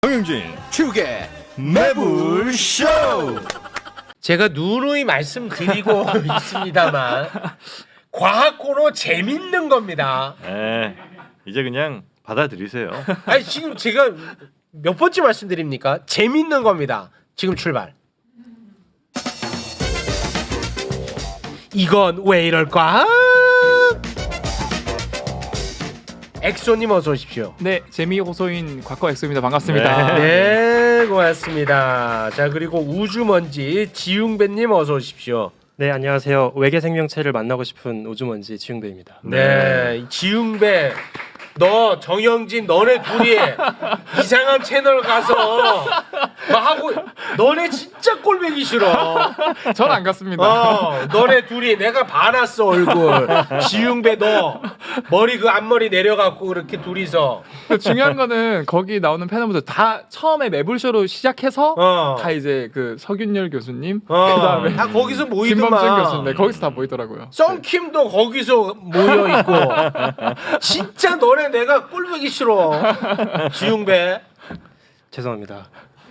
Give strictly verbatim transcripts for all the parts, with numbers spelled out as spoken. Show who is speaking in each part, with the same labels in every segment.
Speaker 1: 정영진
Speaker 2: 축의
Speaker 1: 매불쇼.
Speaker 3: 제가 누누이 말씀드리고 있습니다만 과학 코너 재밌는 겁니다.
Speaker 1: 에 이제 그냥 받아들이세요.
Speaker 3: 아니 지금 제가 몇 번째 말씀드립니까? 재밌는 겁니다. 지금 출발. 이건 왜 이럴까? 엑소님 어서 오십시오.
Speaker 4: 네, 재미 호소인 곽과 엑소입니다. 반갑습니다.
Speaker 3: 네, 고맙습니다. 자, 그리고 우주먼지 지웅배님 어서 오십시오.
Speaker 5: 네, 안녕하세요. 외계 생명체를 만나고 싶은 우주먼지 지웅배입니다.
Speaker 3: 네, 지웅배, 너 정영진, 너네 둘이 이상한 채널 가서 뭐 하고, 너네 진짜 꼴보기 싫어.
Speaker 4: 전 안 갔습니다.
Speaker 3: 어, 너네 둘이 내가 봐놨어 얼굴. 지웅배 너 머리 그 앞머리 내려갖고 그렇게 둘이서.
Speaker 4: 중요한 거는 거기 나오는 패널분들 다 처음에 매불쇼로 시작해서
Speaker 3: 어.
Speaker 4: 다 이제 그 서균열 교수님,
Speaker 3: 어,
Speaker 4: 그다음에
Speaker 3: 다 거기서 모이더만.
Speaker 4: 김범준 교수님, 네, 거기서 다 모이더라고요.
Speaker 3: 썬킴도 거기서 모여 있고. 진짜 너네 내가 꼴보기 싫어. 지웅배.
Speaker 5: 죄송합니다.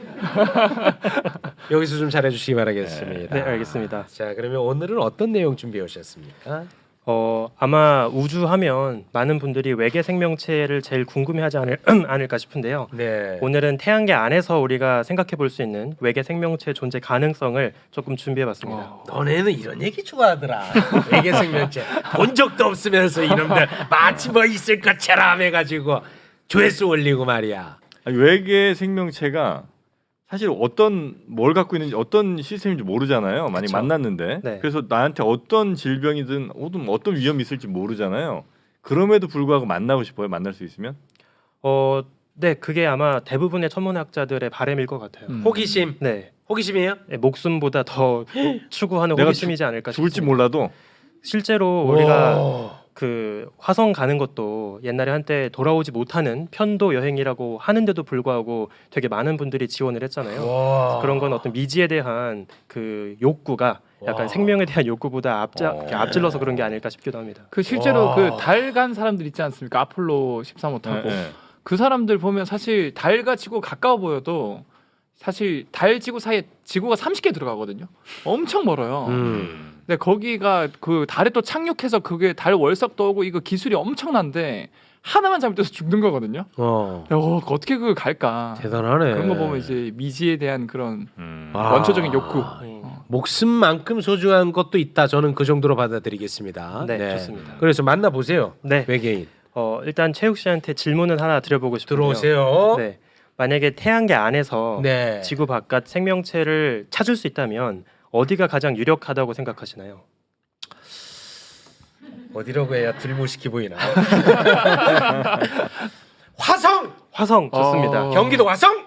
Speaker 3: 여기서 좀 잘해주시기 바라겠습니다.
Speaker 5: 네, 알겠습니다.
Speaker 3: 자, 그러면 오늘은 어떤 내용 준비해 오셨습니까?
Speaker 5: 어, 아마 우주하면 많은 분들이 외계 생명체를 제일 궁금해하지 않을, 않을까 싶은데요.
Speaker 3: 네.
Speaker 5: 오늘은 태양계 안에서 우리가 생각해 볼 수 있는 외계 생명체 존재 가능성을 조금 준비해봤습니다.
Speaker 4: 어.
Speaker 3: 너네는 이런 얘기 좋아하더라. 외계 생명체 본 적도 없으면서 이놈들 마치 뭐 있을 것처럼 해가지고 조회수 올리고 말이야.
Speaker 1: 아니, 외계 생명체가 사실 어떤 뭘 갖고 있는지 어떤 시스템인지 모르잖아요. 많이
Speaker 5: 그쵸.
Speaker 1: 만났는데
Speaker 5: 네.
Speaker 1: 그래서 나한테 어떤 질병이든 어떤 어떤 위험이 있을지 모르잖아요. 그럼에도 불구하고 만나고 싶어요. 만날 수 있으면.
Speaker 5: 어, 네, 그게 아마 대부분의 천문학자들의 바람일 것 같아요.
Speaker 4: 음.
Speaker 3: 호기심.
Speaker 5: 네,
Speaker 3: 호기심이에요?
Speaker 5: 네, 목숨보다 더 추구하는
Speaker 1: 내가
Speaker 5: 호기심이지 않을까
Speaker 1: 죽을지
Speaker 5: 싶습니다.
Speaker 1: 몰라도
Speaker 5: 실제로 우리가
Speaker 3: 오.
Speaker 5: 그 화성 가는 것도 옛날에 한때 돌아오지 못하는 편도 여행이라고 하는데도 불구하고 되게 많은 분들이 지원을 했잖아요.
Speaker 3: 와.
Speaker 5: 그런 건 어떤 미지에 대한 그 욕구가 약간
Speaker 3: 와.
Speaker 5: 생명에 대한 욕구보다 앞자,
Speaker 1: 어.
Speaker 5: 앞질러서 그런 게 아닐까 싶기도 합니다.
Speaker 4: 그 실제로
Speaker 3: 와.
Speaker 4: 그 달 간 사람들 있지 않습니까? 아폴로 십삼 호 타고
Speaker 1: 네, 네.
Speaker 4: 그 사람들 보면 사실 달과 지구 가까워 보여도 사실 달 지구 사이에 지구가 삼십 개 들어가거든요. 엄청 멀어요.
Speaker 3: 음.
Speaker 4: 근데 거기가 그 달에 또 착륙해서 그게 달 월석도 오고 이거 기술이 엄청난데 하나만 잘못해서 죽는 거거든요.
Speaker 3: 어.
Speaker 4: 어, 어떻게 그걸 갈까?
Speaker 3: 대단하네.
Speaker 4: 그런 거 보면 이제 미지에 대한 그런
Speaker 1: 음.
Speaker 3: 아.
Speaker 4: 원초적인 욕구.
Speaker 5: 어.
Speaker 3: 목숨만큼 소중한 것도 있다. 저는 그 정도로 받아들이겠습니다.
Speaker 5: 네, 좋습니다.
Speaker 3: 그래서 만나 보세요.
Speaker 5: 네,
Speaker 3: 외계인
Speaker 5: 어, 일단 최욱 씨한테 질문을 하나 드려보고 싶은데요.
Speaker 3: 들어오세요.
Speaker 5: 네, 만약에 태양계 안에서
Speaker 3: 네.
Speaker 5: 지구 바깥 생명체를 찾을 수 있다면 어디가 가장 유력하다고 생각하시나요?
Speaker 3: 어디라고 해야 들무시키 보이나? 화성!
Speaker 5: 화성 좋습니다.
Speaker 4: 어.
Speaker 3: 경기도 화성?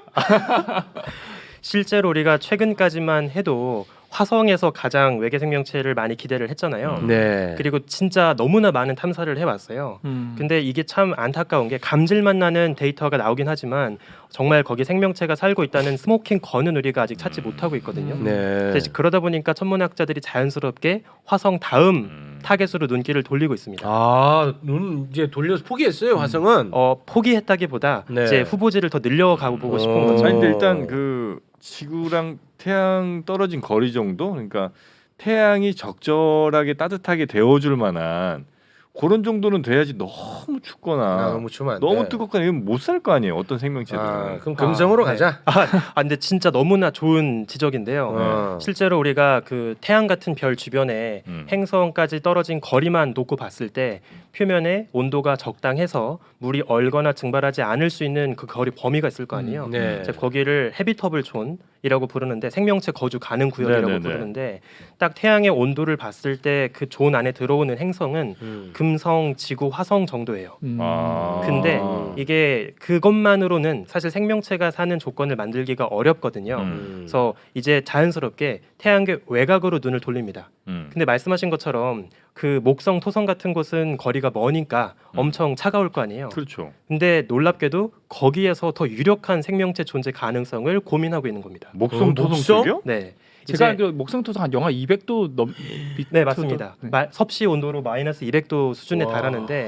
Speaker 5: 실제로 우리가 최근까지만 해도 화성에서 가장 외계 생명체를 많이 기대를 했잖아요.
Speaker 3: 네.
Speaker 5: 그리고 진짜 너무나 많은 탐사를 해왔어요.
Speaker 4: 음.
Speaker 5: 근데 이게 참 안타까운 게 감질만 나는 데이터가 나오긴 하지만 정말 거기 생명체가 살고 있다는 스모킹 건은 우리가 아직 찾지 못하고 있거든요.
Speaker 4: 음.
Speaker 3: 네.
Speaker 5: 그래서 그러다 보니까 천문학자들이 자연스럽게 화성 다음
Speaker 1: 음.
Speaker 5: 타겟으로 눈길을 돌리고 있습니다.
Speaker 3: 아, 눈 이제 돌려서 포기했어요, 화성은.
Speaker 5: 어, 포기했다기보다
Speaker 3: 네.
Speaker 5: 이제 후보지를 더 늘려가고 보고 싶은
Speaker 3: 어.
Speaker 5: 거죠.
Speaker 1: 아니 근데 일단 그 지구랑 태양 떨어진 거리 정도, 그러니까 태양이 적절하게 따뜻하게 데워줄 만한 그런 정도는 돼야지. 너무 춥거나
Speaker 3: 아, 너무 추면 안 돼.
Speaker 1: 너무 뜨겁거나 이건 못 살 거 아니에요. 어떤 생명체들은.
Speaker 3: 아, 그럼 금성으로
Speaker 5: 아, 네.
Speaker 3: 가자.
Speaker 5: 아, 근데 진짜 너무나 좋은 지적인데요.
Speaker 3: 어.
Speaker 5: 실제로 우리가 그 태양 같은 별 주변에
Speaker 1: 음.
Speaker 5: 행성까지 떨어진 거리만 놓고 봤을 때 표면에 온도가 적당해서 물이 얼거나 증발하지 않을 수 있는 그 거리 범위가 있을 거 아니에요.
Speaker 3: 네.
Speaker 5: 이제 거기를 헤비터블 존이라고 부르는데 생명체 거주 가능 구역이라고
Speaker 1: 네네네.
Speaker 5: 부르는데 딱 태양의 온도를 봤을 때 그 존 안에 들어오는 행성은
Speaker 3: 음.
Speaker 5: 금성, 지구, 화성 정도예요.
Speaker 4: 음.
Speaker 1: 아.
Speaker 5: 근데
Speaker 3: 음.
Speaker 5: 이게 그것만으로는 사실 생명체가 사는 조건을 만들기가 어렵거든요.
Speaker 1: 음.
Speaker 5: 그래서 이제 자연스럽게 태양계 외곽으로 눈을 돌립니다.
Speaker 1: 음.
Speaker 5: 근데 말씀하신 것처럼 그 목성, 토성 같은 곳은 거리가 머니까
Speaker 1: 음.
Speaker 5: 엄청 차가울 거 아니에요.
Speaker 1: 그렇죠.
Speaker 5: 근데 놀랍게도 거기에서 더 유력한 생명체 존재 가능성을 고민하고 있는 겁니다.
Speaker 1: 목성
Speaker 3: 어,
Speaker 1: 토성
Speaker 3: 목성?
Speaker 1: 쪽이요?
Speaker 5: 네.
Speaker 4: 제가
Speaker 5: 이제-
Speaker 4: 알기로 목성토성 한 영하 이백 도 넘.
Speaker 5: 네 맞습니다.
Speaker 4: 네.
Speaker 5: 마- 섭씨 온도로 마이너스 이백 도 수준에
Speaker 3: 와.
Speaker 5: 달하는데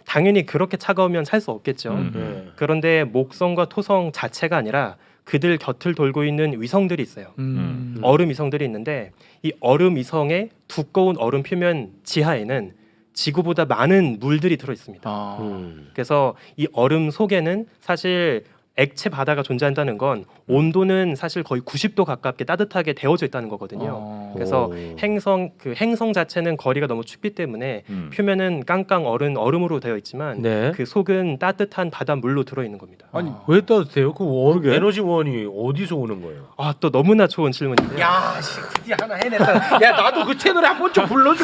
Speaker 5: 당연히 그렇게 차가우면 살 수 없겠죠.
Speaker 1: 음.
Speaker 3: 네.
Speaker 5: 그런데 목성과 토성 자체가 아니라 그들 곁을 돌고 있는 위성들이 있어요.
Speaker 4: 음.
Speaker 5: 얼음 위성들이 있는데 이 얼음 위성의 두꺼운 얼음 표면 지하에는 지구보다 많은 물들이 들어 있습니다.
Speaker 4: 아.
Speaker 3: 음.
Speaker 5: 그래서 이 얼음 속에는 사실 액체 바다가 존재한다는 건 온도는 사실 거의 구십 도 가깝게 따뜻하게 데워져 있다는 거거든요.
Speaker 4: 어.
Speaker 5: 그래서
Speaker 3: 오.
Speaker 5: 행성 그 행성 자체는 거리가 너무 춥기 때문에
Speaker 1: 음.
Speaker 5: 표면은 깡깡 얼음 얼음으로 되어 있지만
Speaker 3: 네.
Speaker 5: 그 속은 따뜻한 바닷물로 들어 있는 겁니다.
Speaker 1: 아니
Speaker 4: 아.
Speaker 3: 왜 따뜻해요? 그 원,
Speaker 1: 그러게.
Speaker 3: 에너지원이 어디서 오는 거예요?
Speaker 5: 아 또 너무나 좋은 질문인데요.
Speaker 3: 야, 씨, 드디어 하나 해냈다. 야, 나도 그 채널에 한 번 좀 불러줘.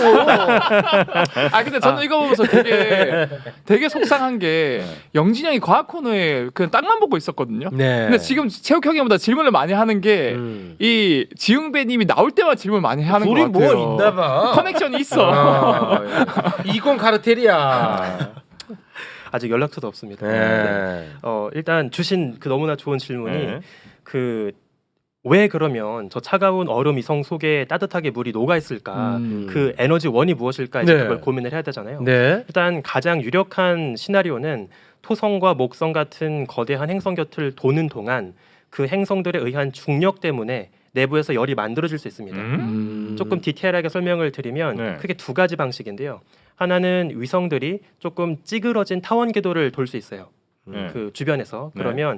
Speaker 4: 아 근데 저는 이거 보면서 되게 되게 속상한 게
Speaker 1: 네.
Speaker 4: 영진이 형이 과학 코너에 그냥 땅만 보고 있었거든요.
Speaker 3: 네.
Speaker 4: 근데 지금 체육 형이보다 질문을 많이 하는 게
Speaker 3: 음.
Speaker 4: 이 지웅배님이 나올 때마다 질문 많이 하는 것
Speaker 3: 둘이
Speaker 4: 같아요.
Speaker 3: 뭐 있나봐.
Speaker 4: 커넥션이 있어.
Speaker 3: 아, 예. 이건 카르텔이야.
Speaker 5: 아직 연락처도 없습니다.
Speaker 3: 네.
Speaker 5: 어 일단 주신 그 너무나 좋은 질문이
Speaker 1: 네.
Speaker 5: 그 왜 그러면 저 차가운 얼음 위성 속에 따뜻하게 물이 녹아 있을까?
Speaker 4: 음.
Speaker 5: 그 에너지 원이 무엇일까? 이제
Speaker 3: 네.
Speaker 5: 그걸 고민을 해야 되잖아요.
Speaker 3: 네.
Speaker 5: 일단 가장 유력한 시나리오는 토성과 목성 같은 거대한 행성 곁을 도는 동안 그 행성들에 의한 중력 때문에 내부에서 열이 만들어질 수 있습니다.
Speaker 1: 음?
Speaker 4: 음.
Speaker 5: 조금 디테일하게 설명을 드리면
Speaker 1: 네.
Speaker 5: 크게 두 가지 방식인데요. 하나는 위성들이 조금 찌그러진 타원 궤도를 돌 수 있어요.
Speaker 1: 네.
Speaker 5: 그 주변에서
Speaker 1: 네.
Speaker 5: 그러면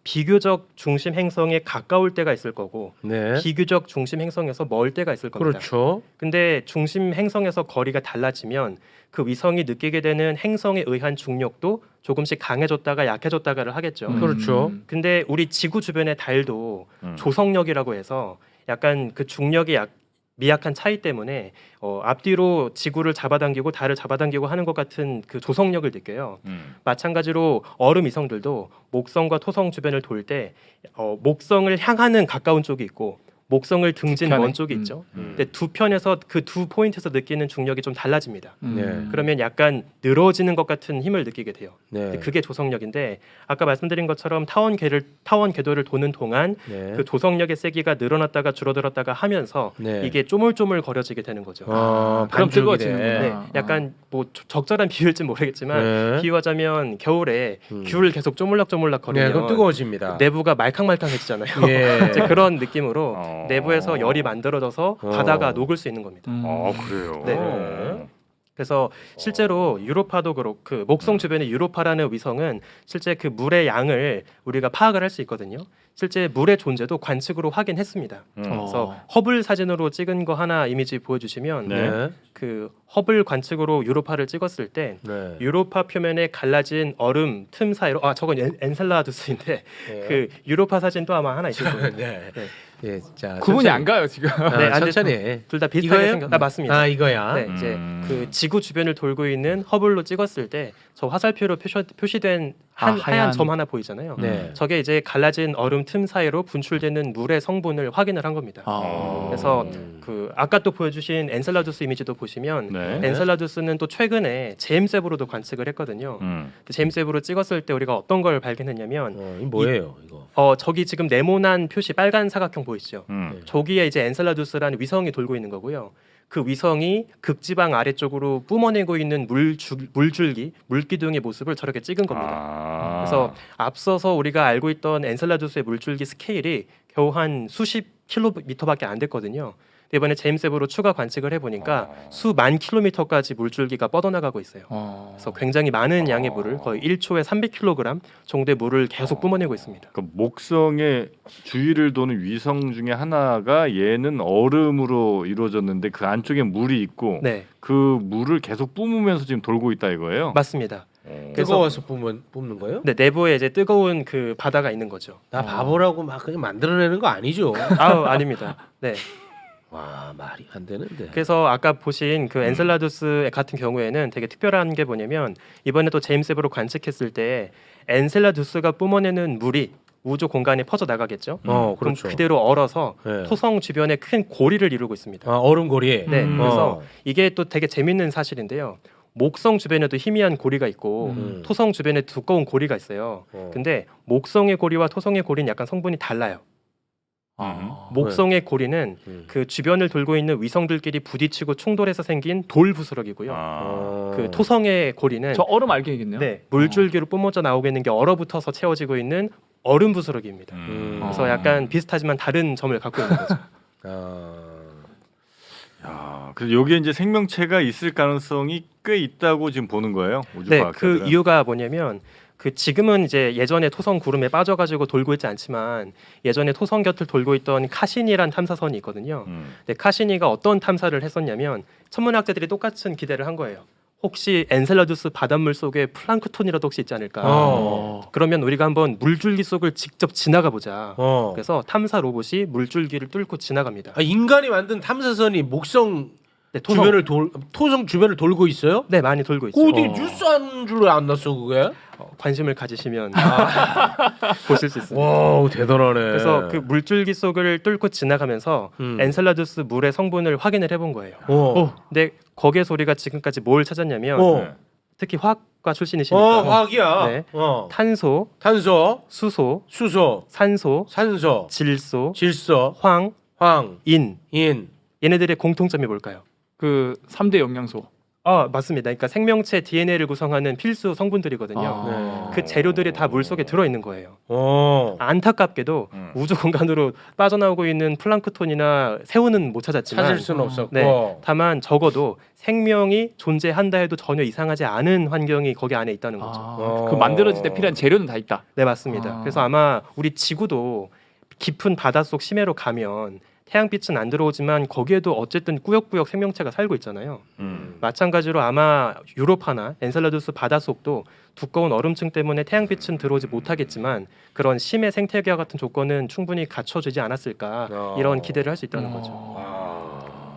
Speaker 5: 비교적 중심 행성에 가까울 때가 있을 거고
Speaker 3: 네.
Speaker 5: 비교적 중심 행성에서 멀 때가 있을 겁니다.
Speaker 3: 그렇죠.
Speaker 5: 근데 중심 행성에서 거리가 달라지면 그 위성이 느끼게 되는 행성에 의한 중력도 조금씩 강해졌다가 약해졌다가를 하겠죠.
Speaker 4: 음.
Speaker 3: 그렇죠.
Speaker 5: 근데 우리 지구 주변의 달도
Speaker 1: 음.
Speaker 5: 조성력이라고 해서 약간 그 중력의 약, 미약한 차이 때문에 어, 앞뒤로 지구를 잡아당기고 달을 잡아당기고 하는 것 같은 그 조성력을 느껴요.
Speaker 1: 음.
Speaker 5: 마찬가지로 얼음 위성들도 목성과 토성 주변을 돌 때 어, 목성을 향하는 가까운 쪽이 있고 목성을 등진
Speaker 4: 뒤편에?
Speaker 5: 먼 쪽이
Speaker 4: 음.
Speaker 5: 있죠.
Speaker 1: 음.
Speaker 5: 근데 두 편에서 그 두 포인트에서 느끼는 중력이 좀 달라집니다.
Speaker 4: 음.
Speaker 3: 네.
Speaker 5: 그러면 약간 늘어지는 것 같은 힘을 느끼게 돼요.
Speaker 3: 네.
Speaker 5: 근데 그게 조성력인데 아까 말씀드린 것처럼 타원 궤를 타원 궤도를 도는 동안
Speaker 3: 네.
Speaker 5: 그 조성력의 세기가 늘어났다가 줄어들었다가 하면서
Speaker 3: 네.
Speaker 5: 이게 쪼물쪼물 거려지게 되는 거죠.
Speaker 3: 어,
Speaker 4: 그럼
Speaker 3: 반죽이네.
Speaker 4: 뜨거워지는구나.
Speaker 5: 네,
Speaker 4: 아.
Speaker 5: 약간 뭐 조- 적절한 비유일지 모르겠지만
Speaker 3: 네.
Speaker 5: 비유하자면 겨울에
Speaker 3: 음.
Speaker 5: 귤을 계속 쪼물락쪼물락
Speaker 3: 네,
Speaker 5: 거리면
Speaker 3: 그럼 뜨거워집니다.
Speaker 5: 내부가 말캉말캉해지잖아요.
Speaker 3: 예.
Speaker 5: 이제 그런 느낌으로
Speaker 1: 어.
Speaker 5: 내부에서 열이 만들어져서
Speaker 3: 어.
Speaker 5: 바다가 녹을 수 있는 겁니다.
Speaker 4: 음.
Speaker 1: 아 그래요.
Speaker 5: 네.
Speaker 1: 어.
Speaker 5: 그래서 실제로 유로파도 그렇고 그 목성 주변의 유로파라는 위성은 실제 그 물의 양을 우리가 파악을 할 수 있거든요. 실제 물의 존재도 관측으로 확인했습니다.
Speaker 1: 음.
Speaker 4: 어.
Speaker 5: 그래서 허블 사진으로 찍은 거 하나 이미지 보여주시면
Speaker 1: 네.
Speaker 3: 네.
Speaker 5: 그 허블 관측으로 유로파를 찍었을 때
Speaker 3: 네.
Speaker 5: 유로파 표면에 갈라진 얼음 틈 사이로 아 저건 엔, 엔셀라두스인데
Speaker 3: 네.
Speaker 5: 그 유로파 사진도 아마 하나 있을 거예요.
Speaker 3: 네.
Speaker 5: 네.
Speaker 3: 예, 자.
Speaker 4: 구분이
Speaker 3: 천천히.
Speaker 4: 안 가요 지금.
Speaker 3: 아,
Speaker 5: 네, 안
Speaker 3: 천천히.
Speaker 5: 둘 다 비슷하게
Speaker 3: 이거예요?
Speaker 5: 생겼. 아 맞습니다.
Speaker 3: 아, 이거야.
Speaker 5: 네, 이제
Speaker 1: 음.
Speaker 5: 그 지구 주변을 돌고 있는 허블로 찍었을 때 저 화살표로 표시, 표시된 한
Speaker 4: 아,
Speaker 5: 하얀,
Speaker 4: 하얀.
Speaker 5: 점 하나 보이잖아요.
Speaker 3: 네.
Speaker 5: 저게 이제 갈라진 얼음 틈 사이로 분출되는 물의 성분을 확인을 한 겁니다.
Speaker 4: 아.
Speaker 5: 그래서
Speaker 3: 음.
Speaker 5: 그 아까 또 보여주신 엔셀라두스 이미지도 보시면
Speaker 1: 네.
Speaker 5: 엔셀라두스는 또 최근에 제임스 웹으로도 관측을 했거든요.
Speaker 1: 음.
Speaker 5: 근데 제임스 웹으로 찍었을 때 우리가 어떤 걸 발견했냐면
Speaker 3: 어, 이 뭐예요, 이거?
Speaker 5: 어 저기 지금 네모난 표시 빨간 사각형 보이시죠?
Speaker 1: 음.
Speaker 5: 저기에 이제 엔셀라두스라는 위성이 돌고 있는 거고요. 그 위성이 극지방 아래쪽으로 뿜어내고 있는 물줄, 물줄기, 물기둥의 모습을 저렇게 찍은 겁니다.
Speaker 1: 아.
Speaker 5: 그래서 앞서서 우리가 알고 있던 엔셀라두스의 물줄기 스케일이 겨우 한 수십 킬로미터밖에 안 됐거든요. 근데 이번에 제임스 웹으로 추가 관측을 해보니까
Speaker 1: 아.
Speaker 5: 수만 킬로미터까지 물줄기가 뻗어나가고 있어요.
Speaker 4: 어.
Speaker 5: 그래서 굉장히 많은 양의
Speaker 1: 아.
Speaker 5: 물을 거의 일 초에 삼백 킬로그램 정도의 물을 계속 뿜어내고 있습니다.
Speaker 1: 그 목성의 주위를 도는 위성 중에 하나가 얘는 얼음으로 이루어졌는데 그 안쪽에 물이 있고
Speaker 5: 네,
Speaker 1: 그 물을 계속 뿜으면서 지금 돌고 있다 이거예요.
Speaker 5: 맞습니다.
Speaker 1: 어.
Speaker 5: 그래서-
Speaker 3: 뜨거워서 뿜는, 뿜는 거예요?
Speaker 5: 네, 내부에 이제 뜨거운 그 바다가 있는 거죠.
Speaker 3: 나
Speaker 4: 어.
Speaker 3: 바보라고 막 그냥 만들어내는 거 아니죠?
Speaker 5: 아우 아닙니다. 네.
Speaker 3: 와, 말이 안 되는데.
Speaker 5: 그래서 아까 보신 그 엔셀라두스 같은 경우에는 되게 특별한 게 뭐냐면 이번에 또 제임스 웹으로 관측했을 때 엔셀라두스가 뿜어내는 물이 우주 공간에 퍼져 나가겠죠.
Speaker 3: 어,
Speaker 5: 그럼
Speaker 3: 그렇죠.
Speaker 5: 그대로 얼어서
Speaker 3: 네.
Speaker 5: 토성 주변에 큰 고리를 이루고 있습니다.
Speaker 3: 아, 얼음고리.
Speaker 5: 네,
Speaker 4: 음.
Speaker 5: 그래서
Speaker 3: 어.
Speaker 5: 이게 또 되게 재밌는 사실인데요. 목성 주변에도 희미한 고리가 있고
Speaker 3: 음.
Speaker 5: 토성 주변에 두꺼운 고리가 있어요.
Speaker 3: 어.
Speaker 5: 근데 목성의 고리와 토성의 고리는 약간 성분이 달라요.
Speaker 4: 아.
Speaker 5: 목성의 고리는
Speaker 3: 음.
Speaker 5: 그 주변을 돌고 있는 위성들끼리 부딪히고 충돌해서 생긴 돌 부스러기고요.
Speaker 1: 아.
Speaker 3: 어.
Speaker 5: 그 토성의 고리는
Speaker 4: 저 얼음 알갱이겠네요.
Speaker 5: 네, 물줄기로 뿜어져 나오고 있는 게 얼어붙어서 채워지고 있는 얼음 부스러기입니다.
Speaker 1: 음.
Speaker 5: 그래서
Speaker 4: 어.
Speaker 5: 약간 비슷하지만 다른 점을 갖고 있는 거죠.
Speaker 3: 아.
Speaker 1: 야, 그래서 여기에 이제 생명체가 있을 가능성이 꽤 있다고 지금 보는 거예요. 우주
Speaker 5: 네,
Speaker 1: 과학자들은.
Speaker 5: 그 이유가 뭐냐면 그 지금은 이제 예전에 토성 구름에 빠져가지고 돌고 있지 않지만 예전에 토성 곁을 돌고 있던 카시니란 탐사선이 있거든요.
Speaker 1: 음.
Speaker 5: 근데 카시니가 어떤 탐사를 했었냐면 천문학자들이 똑같은 기대를 한 거예요. 혹시 엔셀라두스 바닷물 속에 플랑크톤이라도 혹시 있지 않을까?
Speaker 3: 어.
Speaker 5: 그러면 우리가 한번 물줄기 속을 직접 지나가 보자.
Speaker 3: 어.
Speaker 5: 그래서 탐사 로봇이 물줄기를 뚫고 지나갑니다.
Speaker 3: 아, 인간이 만든 탐사선이 목성
Speaker 5: 네, 토성.
Speaker 3: 주변을 돌 토성 주변을 돌고 있어요?
Speaker 5: 네, 많이 돌고
Speaker 3: 그
Speaker 5: 있어요.
Speaker 3: 어디
Speaker 4: 어.
Speaker 3: 뉴스 한 줄을 안 났어 그게?
Speaker 5: 어, 관심을 가지시면 보실 수 있습니다.
Speaker 3: 와 대단하네.
Speaker 5: 그래서 그 물줄기 속을 뚫고 지나가면서
Speaker 3: 음.
Speaker 5: 엔셀라두스 물의 성분을 확인을 해본 거예요.
Speaker 3: 어.
Speaker 5: 근데 거기에 소리가 지금까지 뭘 찾았냐면
Speaker 3: 어.
Speaker 1: 네.
Speaker 5: 특히 화학과
Speaker 3: 어,
Speaker 5: 출신이시니까
Speaker 3: 화학이야.
Speaker 5: 네.
Speaker 3: 어.
Speaker 5: 탄소,
Speaker 3: 탄소,
Speaker 5: 수소,
Speaker 3: 수소,
Speaker 5: 산소,
Speaker 3: 산소,
Speaker 5: 질소,
Speaker 3: 질소,
Speaker 5: 황,
Speaker 3: 황,
Speaker 5: 인
Speaker 3: 인.
Speaker 5: 얘네들의 공통점이 뭘까요?
Speaker 4: 그 삼 대 영양소.
Speaker 5: 아 맞습니다. 그러니까 생명체 디엔에이를 구성하는 필수 성분들이거든요.
Speaker 4: 아.
Speaker 5: 그 재료들이 다 물 속에 들어 있는 거예요.
Speaker 3: 어.
Speaker 5: 안타깝게도
Speaker 1: 음.
Speaker 5: 우주 공간으로 빠져나오고 있는 플랑크톤이나 새우는 못 찾았지만
Speaker 3: 찾을 수는 없었고.
Speaker 5: 네, 다만 적어도 생명이 존재한다 해도 전혀 이상하지 않은 환경이 거기 안에 있다는 거죠.
Speaker 4: 아,
Speaker 3: 어.
Speaker 4: 그 만들어질 때 필요한 재료는 다 있다.
Speaker 5: 네 맞습니다.
Speaker 4: 아.
Speaker 5: 그래서 아마 우리 지구도 깊은 바닷속 심해로 가면 태양빛은 안 들어오지만 거기에도 어쨌든 꾸역꾸역 생명체가 살고 있잖아요.
Speaker 1: 음.
Speaker 5: 마찬가지로 아마 유로파나 엔셀라두스 바닷속도 두꺼운 얼음층 때문에 태양빛은 들어오지 못하겠지만 그런 심해 생태계와 같은 조건은 충분히 갖춰지지 않았을까
Speaker 3: 어.
Speaker 5: 이런 기대를 할 수 있다는 거죠.
Speaker 3: 아.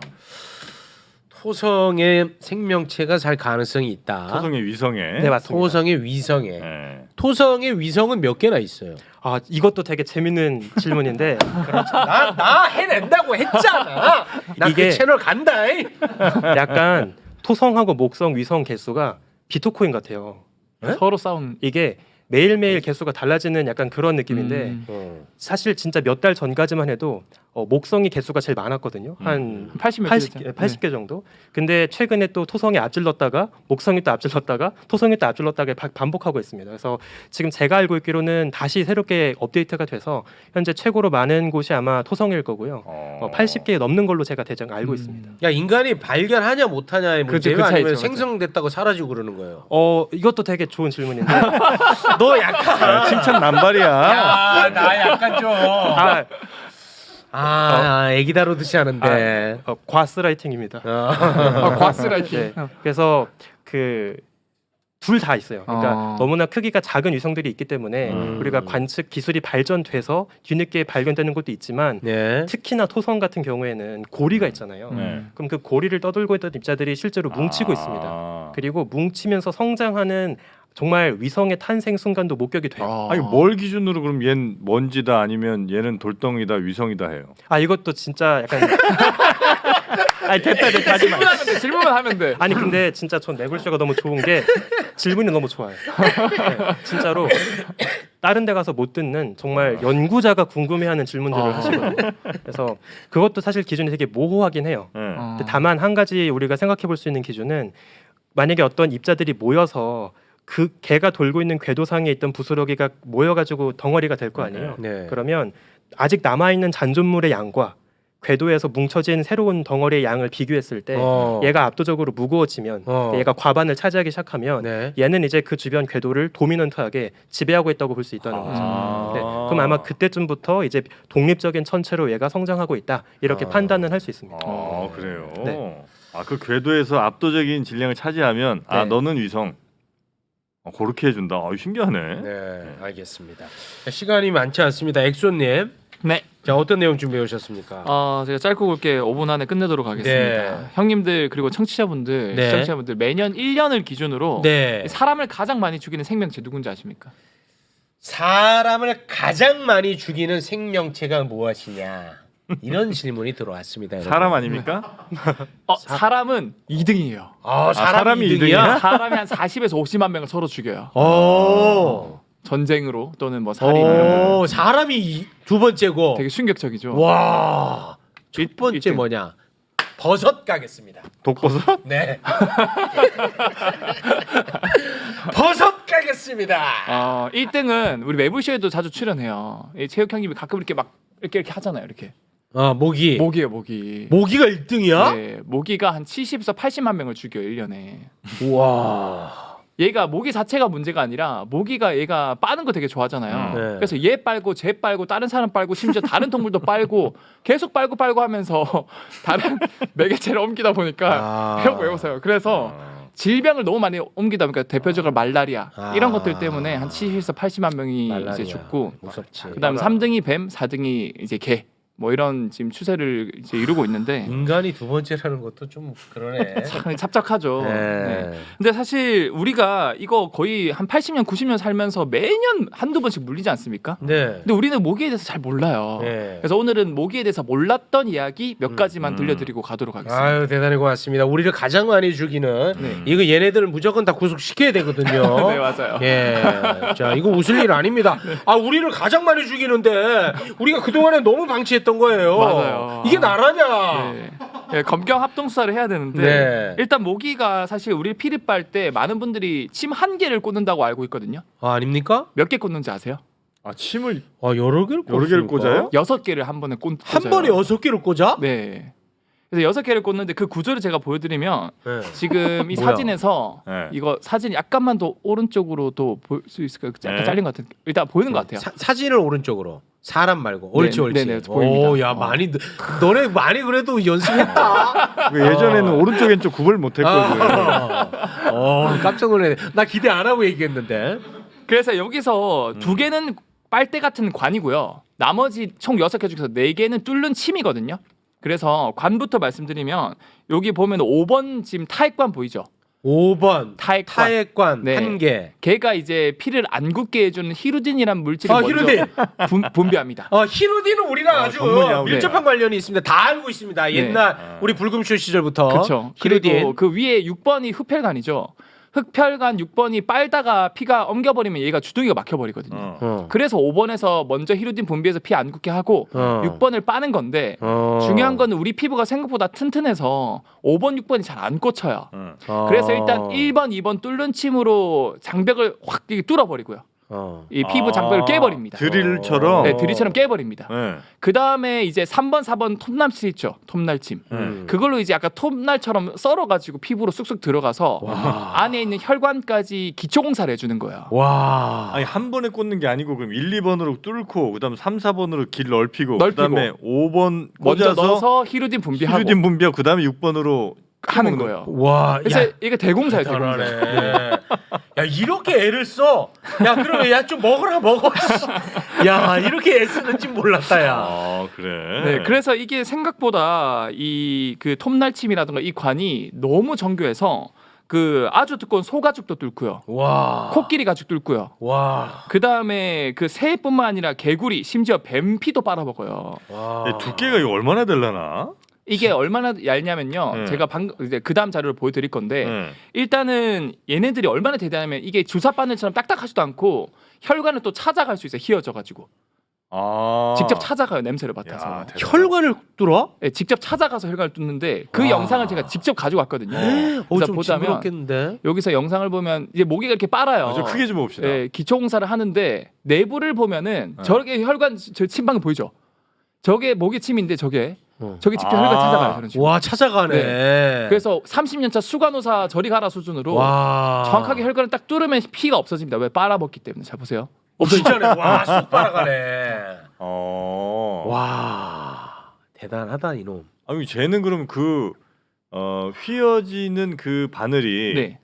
Speaker 3: 토성에 생명체가 살 가능성이 있다.
Speaker 1: 토성의 위성에.
Speaker 5: 네 맞습니다.
Speaker 3: 토성의 위성에.
Speaker 1: 네.
Speaker 3: 토성의 위성은 몇 개나 있어요?
Speaker 5: 아 이것도 되게 재밌는 질문인데
Speaker 3: 나, 나 해낸다고 했잖아. 나
Speaker 5: 이게-
Speaker 3: 그 채널 간다. 이.
Speaker 5: 약간 토성하고 목성, 위성 개수가 비트코인 같아요.
Speaker 3: 네?
Speaker 4: 서로 싸운.
Speaker 5: 이게 매일매일 개수가 달라지는 약간 그런 느낌인데
Speaker 4: 음.
Speaker 3: 어.
Speaker 5: 사실 진짜 몇 달 전까지만 해도 어, 목성이 개수가 제일 많았거든요. 한
Speaker 4: 팔십 몇
Speaker 5: 팔십,
Speaker 4: 개.
Speaker 5: 팔십 개 정도. 근데 최근에 또 토성이 앞질렀다가 목성이 또 앞질렀다가 토성이 또 앞질렀다가 바- 반복하고 있습니다. 그래서 지금 제가 알고 있기로는 다시 새롭게 업데이트가 돼서 현재 최고로 많은 곳이 아마 토성일 거고요.
Speaker 1: 어.
Speaker 5: 어, 팔십 개 넘는 걸로 제가 대략 알고
Speaker 4: 음.
Speaker 5: 있습니다.
Speaker 3: 야 인간이 발견하냐 못하냐의
Speaker 4: 그죠,
Speaker 3: 문제예요?
Speaker 4: 그 차이죠,
Speaker 3: 아니면
Speaker 4: 맞아.
Speaker 3: 생성됐다고 사라지고 그러는 거예요?
Speaker 5: 어 이것도 되게 좋은 질문인데
Speaker 3: 너 약간
Speaker 1: 야, 칭찬 남발이야.
Speaker 3: 야, 나 약간 좀
Speaker 5: 아,
Speaker 3: 아, 애기 다루듯이 하는데.
Speaker 5: 어, 과스라이팅입니다.
Speaker 3: 어.
Speaker 4: 아, 과스라이팅.
Speaker 5: 네. 그래서 그 둘 다 있어요. 그러니까
Speaker 4: 어.
Speaker 5: 너무나 크기가 작은 위성들이 있기 때문에
Speaker 3: 음.
Speaker 5: 우리가 관측 기술이 발전돼서 뒤늦게 발견되는 것도 있지만
Speaker 3: 네.
Speaker 5: 특히나 토성 같은 경우에는 고리가 있잖아요.
Speaker 1: 네.
Speaker 5: 그럼 그 고리를 떠돌고 있던 입자들이 실제로 뭉치고
Speaker 1: 아.
Speaker 5: 있습니다. 그리고 뭉치면서 성장하는 정말 위성의 탄생 순간도 목격이 돼요.
Speaker 4: 아.
Speaker 1: 아니 뭘 기준으로 그럼 얘는 먼지다 아니면 얘는 돌덩이다 위성이다 해요.
Speaker 5: 아 이것도 진짜 약간 아니 됐다 됐다 하지 마.
Speaker 4: 질문하면 돼. 질문만 하면 돼.
Speaker 5: 아니 근데 진짜 전 매불쇼가 너무 좋은 게 질문이 너무 좋아요. 네, 진짜로 다른 데 가서 못 듣는 정말 연구자가 궁금해하는 질문들을
Speaker 4: 아.
Speaker 5: 하시거든요. 그래서 그것도 사실 기준이 되게 모호하긴 해요.
Speaker 1: 네.
Speaker 4: 어.
Speaker 5: 근데 다만 한 가지 우리가 생각해 볼 수 있는 기준은 만약에 어떤 입자들이 모여서 그 개가 돌고 있는 궤도상에 있던 부스러기가 모여가지고 덩어리가 될 거 아니에요.
Speaker 3: 네.
Speaker 5: 그러면 아직 남아 있는 잔존물의 양과 궤도에서 뭉쳐진 새로운 덩어리의 양을 비교했을 때
Speaker 3: 어.
Speaker 5: 얘가 압도적으로 무거워지면
Speaker 3: 어.
Speaker 5: 얘가 과반을 차지하기 시작하면
Speaker 3: 네.
Speaker 5: 얘는 이제 그 주변 궤도를 도미넌트하게 지배하고 있다고 볼 수 있다는 거죠.
Speaker 1: 아.
Speaker 5: 네, 그럼 아마 그때쯤부터 이제 독립적인 천체로 얘가 성장하고 있다 이렇게
Speaker 3: 아.
Speaker 5: 판단을 할 수 있습니다.
Speaker 1: 아 그래요.
Speaker 5: 네.
Speaker 1: 아그 궤도에서 압도적인 질량을 차지하면 아
Speaker 5: 네.
Speaker 1: 너는 위성. 어, 그렇게 해준다. 아 신기하네.
Speaker 3: 네, 알겠습니다. 자, 시간이 많지 않습니다. 엑소님,
Speaker 4: 네.
Speaker 3: 자 어떤 내용 준비해 오셨습니까?
Speaker 4: 어, 제가 짧고 굵게 오 분 안에 끝내도록 하겠습니다.
Speaker 3: 네.
Speaker 4: 형님들 그리고 청취자분들,
Speaker 3: 네.
Speaker 4: 시청자분들 매년 일 년을 기준으로
Speaker 3: 네,
Speaker 4: 사람을 가장 많이 죽이는 생명체 누군지 아십니까?
Speaker 3: 사람을 가장 많이 죽이는 생명체가 무엇이냐? 이런 질문이 들어왔습니다. 여러분.
Speaker 1: 사람 아닙니까?
Speaker 4: 어, 사람은 이 등이에요.
Speaker 3: 아,
Speaker 1: 사람이
Speaker 3: 사람이
Speaker 1: 이
Speaker 3: 이등이야?
Speaker 4: 사람이 한 사십에서 오십만 명을 서로 죽여요.
Speaker 3: 오,
Speaker 4: 전쟁으로 또는 뭐 살인 이런 거
Speaker 3: 오, 사람이 이- 두 번째고.
Speaker 4: 되게 충격적이죠.
Speaker 3: 와. 첫
Speaker 4: 일-
Speaker 3: 번째
Speaker 4: 일등.
Speaker 3: 뭐냐? 버섯 가겠습니다.
Speaker 1: 독버섯?
Speaker 3: 네. 버섯 가겠습니다.
Speaker 4: 어, 일 등은 우리 매불쇼에도 자주 출연해요. 이 체육 형님이 가끔 이렇게 막 이렇게 이렇게 하잖아요. 이렇게
Speaker 3: 어, 모기.
Speaker 4: 모기예요, 모기.
Speaker 3: 모기가 일 등이야?
Speaker 4: 네, 모기가 한 칠십에서 팔십만 명을 죽여 일 년에.
Speaker 3: 와.
Speaker 4: 얘가 모기 자체가 문제가 아니라 모기가 얘가 빠는 거 되게 좋아하잖아요.
Speaker 1: 음.
Speaker 3: 네.
Speaker 4: 그래서 얘 빨고 쟤 빨고 다른 사람 빨고 심지어 다른 동물도 빨고 계속 빨고 빨고 하면서 다른 매개체를 옮기다 보니까
Speaker 3: 아.
Speaker 4: 형 외우세요. 그래서
Speaker 1: 어.
Speaker 4: 질병을 너무 많이 옮기다 보니까 대표적으로 말라리아
Speaker 3: 아.
Speaker 4: 이런 것들 때문에 한 칠십에서 팔십만 명이
Speaker 3: 말라리아.
Speaker 4: 이제 죽고
Speaker 3: 무섭지.
Speaker 4: 그다음
Speaker 1: 맞아.
Speaker 4: 삼 등이 뱀, 사 등이 이제 개. 뭐 이런 지금 추세를 이제 이루고 있는데
Speaker 3: 인간이 두 번째라는 것도 좀 그러네.
Speaker 4: 참 찹찹하죠.
Speaker 3: 네.
Speaker 4: 네. 근데 사실 우리가 이거 거의 한 팔십 년, 구십 년 살면서 매년 한두 번씩 물리지 않습니까?
Speaker 3: 네.
Speaker 4: 근데 우리는 모기에 대해서 잘 몰라요.
Speaker 3: 네.
Speaker 4: 그래서 오늘은 모기에 대해서 몰랐던 이야기 몇
Speaker 3: 음,
Speaker 4: 가지만
Speaker 1: 음.
Speaker 4: 들려드리고 가도록 하겠습니다.
Speaker 3: 아유 대단히 고맙습니다. 우리를 가장 많이 죽이는
Speaker 4: 네.
Speaker 3: 이거 얘네들을 무조건 다 구속시켜야 되거든요.
Speaker 4: 네 맞아요.
Speaker 3: 예, 자 이거 웃을 일 아닙니다. 아 우리를 가장 많이 죽이는데 우리가 그 동안에 너무 방치했던 거예요.
Speaker 4: 맞아요.
Speaker 3: 이게 나라냐?
Speaker 4: 네. 네, 검경 합동 수사를 해야 되는데
Speaker 3: 네.
Speaker 4: 일단 모기가 사실 우리 피리 빨 때 많은 분들이 침 한 개를 꽂는다고 알고 있거든요.
Speaker 3: 아, 아닙니까?
Speaker 4: 몇 개 꽂는지 아세요?
Speaker 1: 아 침을
Speaker 3: 아 여러 개를
Speaker 1: 여러 개를
Speaker 3: 꽂습니까?
Speaker 1: 꽂아요?
Speaker 4: 여섯 개를 한 번에 꽂.
Speaker 3: 한
Speaker 4: 꽂아요.
Speaker 3: 번에 여섯 개를 꽂아?
Speaker 4: 네. 그래서 여섯 개를 꽂는데 그 구조를 제가 보여드리면
Speaker 3: 네.
Speaker 4: 지금 이
Speaker 3: 뭐야?
Speaker 4: 사진에서
Speaker 1: 네.
Speaker 4: 이거 사진 약간만 더 오른쪽으로도 볼 수 있을까요? 약간
Speaker 1: 네.
Speaker 4: 잘린 것 같은. 일단 보이는 것 같아요.
Speaker 3: 사, 사진을 오른쪽으로. 사람 말고. 옳지
Speaker 4: 네,
Speaker 3: 옳지.
Speaker 4: 네, 네, 보입니다.
Speaker 3: 오, 야
Speaker 4: 어.
Speaker 3: 많이 너- 너네 많이 그래도 연습했다.
Speaker 1: 그 예전에는 오른쪽엔 좀 구별 못했거든요.
Speaker 3: 아. 어, 깜짝 놀랐네. 나 기대 안 하고 얘기했는데.
Speaker 4: 그래서 여기서
Speaker 1: 음.
Speaker 4: 두 개는 빨대 같은 관이고요. 나머지 총 여섯 개 중에서 네 개는 뚫는 침이거든요. 그래서 관부터 말씀드리면 여기 보면 오 번 지금 타액관 보이죠?
Speaker 3: 오 번
Speaker 4: 타액관.
Speaker 3: 타액관
Speaker 4: 네.
Speaker 3: 한 개.
Speaker 4: 걔가 이제 피를 안 굳게 해주는 히루딘이라는 물질을
Speaker 3: 아,
Speaker 4: 먼저
Speaker 3: 히루딘.
Speaker 4: 분, 분비합니다.
Speaker 3: 어, 히루딘은 우리랑
Speaker 1: 어,
Speaker 3: 아주
Speaker 1: 전문이야, 우리.
Speaker 3: 밀접한 관련이 있습니다. 다 알고 있습니다.
Speaker 4: 네.
Speaker 3: 옛날
Speaker 1: 아.
Speaker 3: 우리 불금쇼 시절부터.
Speaker 4: 그렇죠.
Speaker 3: 히루딘.
Speaker 4: 그리고 그 위에 육 번이 흡혈관이죠. 흡혈관 육 번이 빨다가 피가 엉겨버리면 얘가 주둥이가 막혀버리거든요.
Speaker 1: 어.
Speaker 3: 어.
Speaker 4: 그래서 오 번에서 먼저 히루딘 분비해서 피 안 굳게 하고
Speaker 3: 어.
Speaker 4: 육 번을 빠는 건데
Speaker 3: 어.
Speaker 4: 중요한 거는 우리 피부가 생각보다 튼튼해서 오 번, 육 번이 잘 안 꽂혀요.
Speaker 1: 어.
Speaker 3: 어.
Speaker 4: 그래서 일단 일 번, 이 번 뚫는 침으로 장벽을 확 이렇게 뚫어버리고요.
Speaker 3: 어.
Speaker 4: 이 피부 장벽을
Speaker 1: 아,
Speaker 4: 깨버립니다.
Speaker 1: 드릴처럼.
Speaker 4: 네, 드리처럼 깨버립니다.
Speaker 1: 네.
Speaker 4: 그 다음에 이제 삼 번, 사 번 톱날침 있죠. 톱날침.
Speaker 3: 음.
Speaker 4: 그걸로 이제 약간 톱날처럼 썰어가지고 피부로 쑥쑥 들어가서
Speaker 3: 와.
Speaker 4: 안에 있는 혈관까지 기초공사를 해주는 거예요.
Speaker 3: 와.
Speaker 1: 아니 한 번에 꽂는 게 아니고 그럼 일, 이 번으로 뚫고 그다음 삼, 사 번으로 길 넓히고,
Speaker 4: 넓히고.
Speaker 1: 그다음에 오 번
Speaker 4: 먼저
Speaker 1: 꽂아서
Speaker 4: 넣어서 히루딘 분비하고
Speaker 1: 히루딘 분비하고 그다음에 육 번으로
Speaker 4: 하는 거예요.
Speaker 3: 와.
Speaker 4: 그래서
Speaker 3: 야.
Speaker 4: 이게 대공사예요. 대공사.
Speaker 3: 대단하네. 야 이렇게 애를 써. 야 그러면 야 좀 먹어라 먹어. 씨. 야 이렇게 애 쓰는지 몰랐다 야.
Speaker 1: 아 그래.
Speaker 4: 네, 그래서 이게 생각보다 이 그 톱날침이라든가 이 관이 너무 정교해서 그 아주 두꺼운 소가죽도 뚫고요.
Speaker 3: 와.
Speaker 4: 코끼리 가죽 뚫고요.
Speaker 3: 와.
Speaker 4: 그 다음에 그 새뿐만 아니라 개구리, 심지어 뱀피도 빨아먹어요.
Speaker 3: 와.
Speaker 1: 네, 두께가 이거 얼마나 될라나?
Speaker 4: 이게 얼마나 얇냐면요.
Speaker 1: 네.
Speaker 4: 제가 방금 이제 그 다음 자료를 보여드릴 건데
Speaker 1: 네.
Speaker 4: 일단은 얘네들이 얼마나 대단하면 이게 주사 바늘처럼 딱딱하지도 않고 혈관을 또 찾아갈 수 있어요. 휘어져가지고
Speaker 1: 아.
Speaker 4: 직접 찾아가요. 냄새를 맡아서.
Speaker 1: 야, 대단하다.
Speaker 3: 혈관을 뚫어?
Speaker 4: 네, 직접 찾아가서 혈관을 뚫는데 그
Speaker 3: 와.
Speaker 4: 영상을 제가 직접 가지고 왔거든요.
Speaker 3: 어,
Speaker 4: 그래서
Speaker 3: 좀
Speaker 4: 보자면
Speaker 3: 징그럽겠는데.
Speaker 4: 여기서 영상을 보면 이제 모기가 이렇게 빨아요.
Speaker 1: 어, 좀 크게 좀 봅시다.
Speaker 4: 예, 기초공사를 하는데 내부를 보면은
Speaker 1: 네.
Speaker 4: 저렇게 혈관 저 침방 보이죠? 저게 모기 침인데 저게
Speaker 3: 어.
Speaker 4: 저게 직접
Speaker 1: 아.
Speaker 4: 혈관 찾아가요. 저런 식으로.
Speaker 3: 와 찾아가네.
Speaker 4: 그래서 삼십 년 차 수간호사 저리 가라 수준으로
Speaker 3: 와.
Speaker 4: 정확하게 혈관을 딱 뚫으면 피가 없어집니다. 왜 빨아먹기 때문에. 잘 보세요.
Speaker 3: 진짜네. 와쑥 빨아가네.
Speaker 1: 어.
Speaker 3: 와 대단하다 이놈.
Speaker 1: 아니 쟤는 그럼 그 어, 휘어지는 그 바늘이
Speaker 4: 네.